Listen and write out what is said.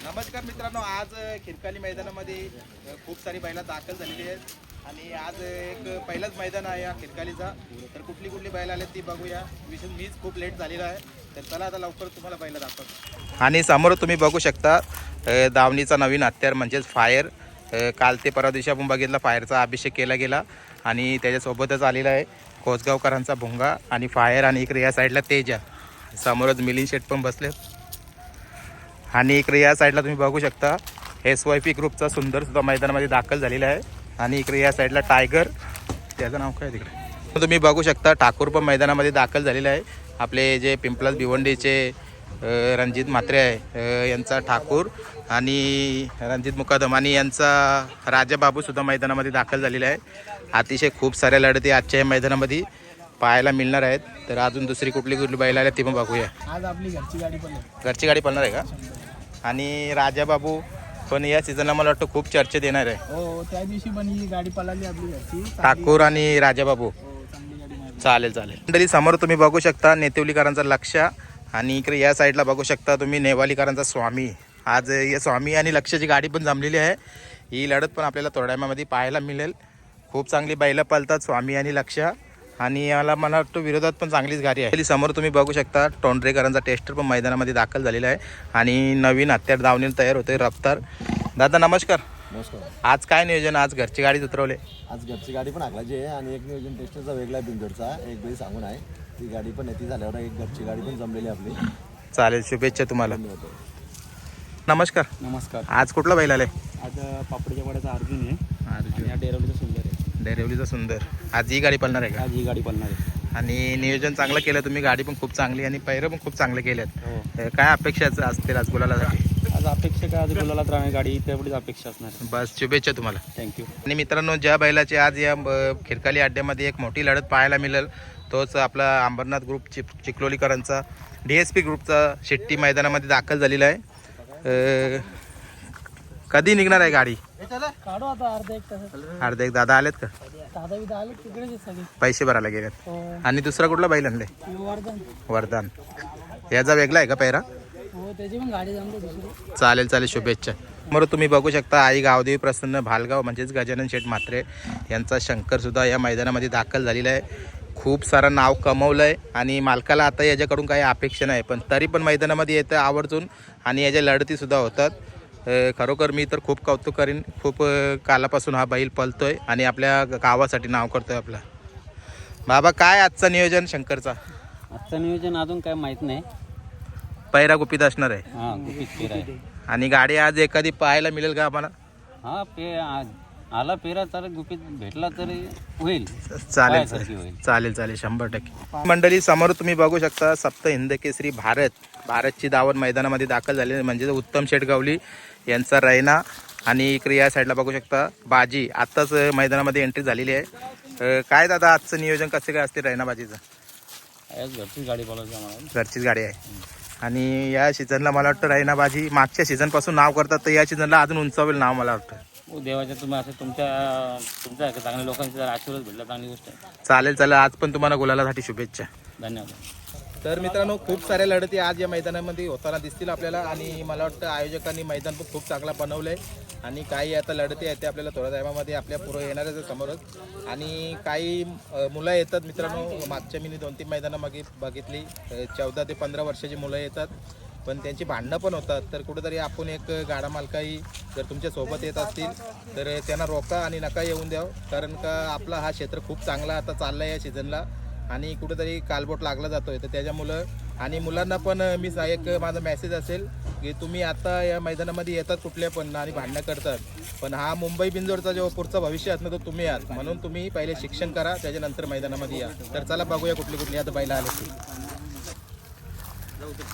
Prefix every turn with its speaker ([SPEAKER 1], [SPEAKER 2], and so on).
[SPEAKER 1] नमस्कार मित्रांनो, आज खिरकाली मैदानामध्ये खूप सारी बैला दाखल झालेली आहेत आणि आज एक पहिलाच मैदान आहे या खिरकालीचा. तर कुठली कुठली बैल आले ती बघूया. विशेष मीच खूप लेट झालेला आहे, तर चला आता लवकर तुम्हाला बैला दाखवतो. आणि समोर तुम्ही बघू शकता दावणीचा नवीन हत्यार म्हणजेच फायर. काल ते परवा दिवशी आपण बघितला फायरचा अभिषेक केला गेला आणि त्याच्यासोबतच आलेला आहे कोसगावकरांचा भुंगा आणि फायर. आणि इकडे या साईडला तेजा, समोरच मिलिंद शेट पण बसले. आणि इकडे या साईडला तुम्ही बघू शकता SYP ग्रुपचा सुंदर सुद्धा मैदानामध्ये दाखल झालेला आहे. आणि इकडे या साईडला टायगर, त्याचं नाव काय तिकडे तुम्ही बघू शकता, ठाकूर पण मैदानामध्ये दाखल झालेला आहे. आपले जे पिंपलास भिवंडीचे रणजित म्हात्रे आहे यांचा ठाकूर आणि रणजित मुकादम आणि यांचा राजाबाबूसुद्धा मैदानामध्ये दाखल झालेला आहे. अतिशय खूप साऱ्या लढती आजच्या या मैदानामध्ये पाहायला मिळणार आहेत. तर अजून दुसरी कुठली कुठली बैल आल्या ती पण बघूया.
[SPEAKER 2] आज आपली
[SPEAKER 1] घरची गाडी पळणार आहे का? आणि राजाबाबू पण या सीझनला मला वाटतं खूप चर्चेत येणार आहे.
[SPEAKER 2] हो, त्या दिवशी पण ही गाडी पळाली आपली घरची.
[SPEAKER 1] ठाकूर आणि राजाबाबू.
[SPEAKER 2] चांगली गाडी मारली.
[SPEAKER 1] चालेल चालेल. मंडळी समोर तुम्ही बघू शकता नेतेवलीकरांचा लक्ष आणि इकडे या साईडला बघू शकता तुम्ही नेवालीकरांचा स्वामी. आज या स्वामी आणि लक्षाची गाडी पण जमलेली आहे. ही लढत पण आपल्याला थोड्या वेळामध्ये पाहायला मिळेल. खूप चांगली बैलं पळतात स्वामी आणि लक्ष. आणि याला मला वाटतं विरोधात पण चांगलीच गाडी आहे. समोर तुम्ही बघू शकता टोंडरेकरांचा टेस्टर पण मैदानामध्ये दाखल झालेला आहे आणि नवीन हत्यार धावणीला तयार होते रफ्तार. दादा नमस्कार.
[SPEAKER 3] नमस्कार.
[SPEAKER 1] आज काय नियोजन? आज घरची गाडी उतरवले.
[SPEAKER 3] आज घरची गाडी पण हाकलायची आहे आणि एक नियोजन टेस्टरचा वेगळा आहे बिंदोडचा. एक बैल सांगून आहे ती गाडी पण येते झाल्यावर एक घरची गाडी पण जमलेली आपली.
[SPEAKER 1] चालेल, शुभेच्छा तुम्हाला.
[SPEAKER 2] नमस्कार.
[SPEAKER 1] आज कुठला बैल आले?
[SPEAKER 2] आज पापडीच्या वाड्याचा अर्जुन आहे.
[SPEAKER 1] अर्जुन.
[SPEAKER 2] या डेरवलीचा सुंदर आहे.
[SPEAKER 1] डेरिवलीचा सुंदर. आज ही गाडी पळणार आहे का?
[SPEAKER 2] आज ही गाडी पळणार आहे.
[SPEAKER 1] आणि नियोजन चांगलं केलं तुम्ही, गाडी पण खूप चांगली आणि पैरं पण खूप चांगले केलेत.
[SPEAKER 2] हो.
[SPEAKER 1] काय अपेक्षा असतील आज गुलालासाठी?
[SPEAKER 2] आज अपेक्षा काय, आज गुलालात राहणार गाडी तेवढीच अपेक्षा असणार.
[SPEAKER 1] बस शुभेच्छा तुम्हाला.
[SPEAKER 2] थँक्यू.
[SPEAKER 1] आणि मित्रांनो, ज्या बैलाची आज या खिरकाली अड्ड्यामध्ये एक मोठी लढत पाहायला मिळेल तोच आपला अंबरनाथ ग्रुप चिखलोलीकरांचा DSP ग्रुपचा शेट्टी मैदानामध्ये दाखल झालेला आहे. कधी निघणार आहे गाडी?
[SPEAKER 2] काढू आता अर्धा एक तास.
[SPEAKER 1] अर्धे एक दादा आलेत का?
[SPEAKER 2] दादा आले तिकडेच सगळे.
[SPEAKER 1] पैसे भरायला गेलेत.
[SPEAKER 2] हो.
[SPEAKER 1] आणि दुसरा कुठला बैल आणले?
[SPEAKER 2] वर्धन.
[SPEAKER 1] वरदान. याचा वेगळा आहे का पैरा?
[SPEAKER 2] हो, त्याची पण गाडी जमली दुसरी.
[SPEAKER 1] चालेल चालेल, शुभेच्छा. बरं तुम्ही बघू शकता आई गावदेवी प्रसन्न भालगाव म्हणजेच गजानन शेठ म्हात्रे यांचा शंकर सुद्धा या मैदानामध्ये दाखल झालेला आहे. खूप सारं नाव कमवलं आहे आणि मालकाला आता याच्याकडून काही अपेक्षा नाही, पण तरी पण मैदानामध्ये येतं आवर्जून आणि याच्या लढतीसुद्धा होतात. खरोखर मी तर खूप कौतुक करीन. खूप कालापासून हा बैल पळतोय आणि आपल्या गावासाठी नाव करतोय आपला. बाबा काय आजचं नियोजन शंकरचा?
[SPEAKER 2] आजचं नियोजन अजून काय माहित नाही.
[SPEAKER 1] पैरा गुपित असणार आहे.
[SPEAKER 2] हा, गुपित पेरा आहे.
[SPEAKER 1] आणि गाडी आज एखादी पाहायला मिळेल का आम्हाला?
[SPEAKER 2] हा, आला पेरा तर गुपित भेटला तरी होईल.
[SPEAKER 1] चालेल
[SPEAKER 2] होईल.
[SPEAKER 1] चालेल चालेल, 100%. मंडळी समोर तुम्ही बघू शकता सप्त हिंद केसरी भारतची दावण मैदानामध्ये दाखल झाली म्हणजे उत्तम शेटगावली यांचा रैना. आणि इकडे या साईडला बघू शकता बाजी आत्ताच मैदानामध्ये एंट्री झालेली आहे. काय दादा आजचं नियोजन कसं काय असते रैना बाजीचं?
[SPEAKER 2] घरचीच गाडी बोलायची आम्हाला.
[SPEAKER 1] घरचीच गाडी आहे. आणि या सीझनला मला वाटतं रैना बाजी मागच्या सीझनपासून नाव करतात, तर या सीझनला अजून उंचावेल नाव मला वाटतं.
[SPEAKER 2] हो, देवाच्या तुम्ही असं तुमच्या चांगल्या लोकांची जर आशीर्वाद भेटला चांगली गोष्ट आहे.
[SPEAKER 1] चालेल चालेल, आज पण तुम्हाला गुलालासाठी शुभेच्छा.
[SPEAKER 2] धन्यवाद.
[SPEAKER 1] तर मित्रांनो, खूप साऱ्या लढती आज या मैदानामध्ये होताना दिसतील आपल्याला आणि मला वाटतं आयोजकांनी मैदान पण खूप चांगला बनवलं आहे. आणि काही आता लढती आहेत ते आपल्याला थोड्या टायमामध्ये आपल्या पुढे येणारच आहे समोरच. आणि काही मुलं येतात मित्रांनो, मागच्या मी 2-3 मैदानं बघितली 14 ते 15 वर्षाची मुलं येतात, पण त्यांची भांडणं पण होतात. तर कुठेतरी आपण एक गाडा मालकाही जर तुमच्या सोबत येत असतील तर त्यांना रोका आणि नका येऊन द्यावं, कारण का आपला हा क्षेत्र खूप चांगला आता चालला आहे या सीझनला आणि कुठेतरी कालबोट लागला जातोय. तर त्याच्यामुळं आणि मुलांना पण मी एक माझा मेसेज असेल की तुम्ही आता या मैदानामध्ये येतात कुठल्या पण आणि भांडणं करतात, पण हा मुंबई बिंजोरचा जो पुढचा भविष्य असणं तो तुम्ही आहात, म्हणून तुम्ही पहिले शिक्षण करा त्याच्यानंतर मैदानामध्ये या. तर चला बघूया कुठली आता बैला आले.